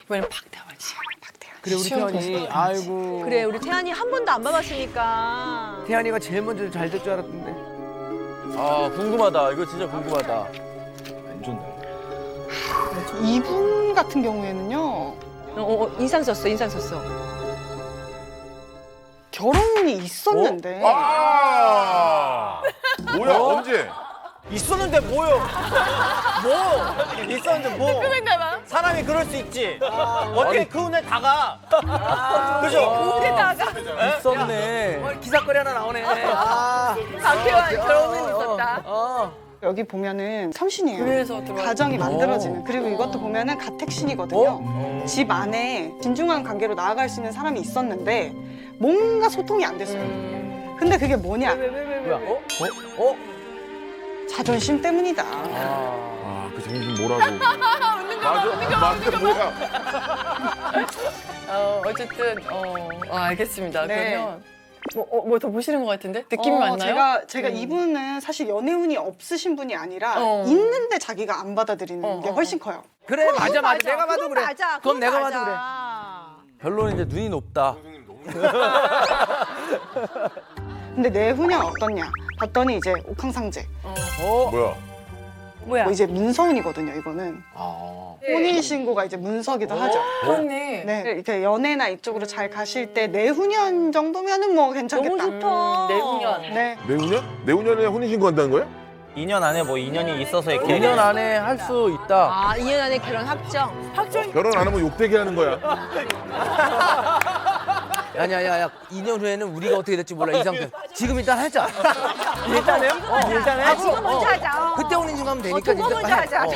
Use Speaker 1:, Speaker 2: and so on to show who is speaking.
Speaker 1: 이번엔 박태환씨.
Speaker 2: 그래 우리 태연이 아이고.
Speaker 3: 그래 우리 태연이 한 번도 안 봐봤으니까.
Speaker 2: 태연이가 제일 먼저 잘 될 줄 알았는데.
Speaker 4: 아 궁금하다. 이거 진짜 궁금하다.
Speaker 5: 완전
Speaker 6: 이분 같은 경우에는요
Speaker 3: 인상 썼어 인상 썼어.
Speaker 6: 결혼이 있었는데
Speaker 5: 뭐야 언제?
Speaker 4: 있었는데 뭐요? 뭐? 있었는데 뭐? 사람이 그럴 수 있지. 어떻게 그 운에 다가? 그죠?
Speaker 3: 그에다가
Speaker 2: 있었네. 기사거리 하나 나오네. 아.
Speaker 3: 박태환 결혼은 있었다.
Speaker 6: 여기 보면은 삼신이에요.
Speaker 1: 그래서 들어와.
Speaker 6: 가정이 만들어지는. 그리고 이것도 보면은 가택신이거든요. 집 안에 진중한 관계로 나아갈 수 있는 사람이 있었는데 뭔가 소통이 안 됐어요. 근데 그게 뭐냐?
Speaker 2: 뭐야? 어?
Speaker 6: 자존심 때문이다.
Speaker 5: 아그 정신 뭐라고? 맞아 뭐야?
Speaker 1: 어쨌든 알겠습니다.
Speaker 6: 네.
Speaker 1: 그러면 뭐 더 보시는 것 같은데 느낌이 맞나요?
Speaker 6: 제가 이분은 사실 연애운이 없으신 분이 아니라
Speaker 1: 어.
Speaker 6: 있는데 자기가 안 받아들이는 게 훨씬 커요.
Speaker 2: 그래 맞아. 내가 봐도
Speaker 3: 그건
Speaker 2: 그래.
Speaker 3: 맞아.
Speaker 2: 그건 내가
Speaker 3: 맞아.
Speaker 2: 봐도 그래.
Speaker 4: 결론은 이제 눈이 높다.
Speaker 6: 근데 내후년 어떻냐? 봤더니 이제 옥황상제.
Speaker 5: 뭐야?
Speaker 3: 뭐야?
Speaker 6: 이제 문서운이거든요. 이거는 혼인신고가 이제 문서기도 하죠.
Speaker 1: 그렇네.
Speaker 6: 네, 이렇게 연애나 이쪽으로 잘 가실 때 내후년 정도면은 뭐 괜찮겠다.
Speaker 3: 너무 좋다.
Speaker 1: 내후년.
Speaker 6: 네.
Speaker 5: 내후년? 내후년에 혼인신고 한다는 거야?
Speaker 4: 2년 안에 뭐 인연이 있어서 이렇게.
Speaker 2: 2년 안에 할 수 있다.
Speaker 3: 아 2년 안에 결혼 확정.
Speaker 5: 결혼 안 하면 욕되게 하는 거야.
Speaker 2: 야야야 2년 후에는 우리가 어떻게 될지 몰라 이 상태. 지금 일단 하자.
Speaker 4: 일단요? 일단 해.
Speaker 3: 지금 먼저 하자.
Speaker 2: 그때 혼인신고 하면 되니까
Speaker 3: 두번 먼저 하자.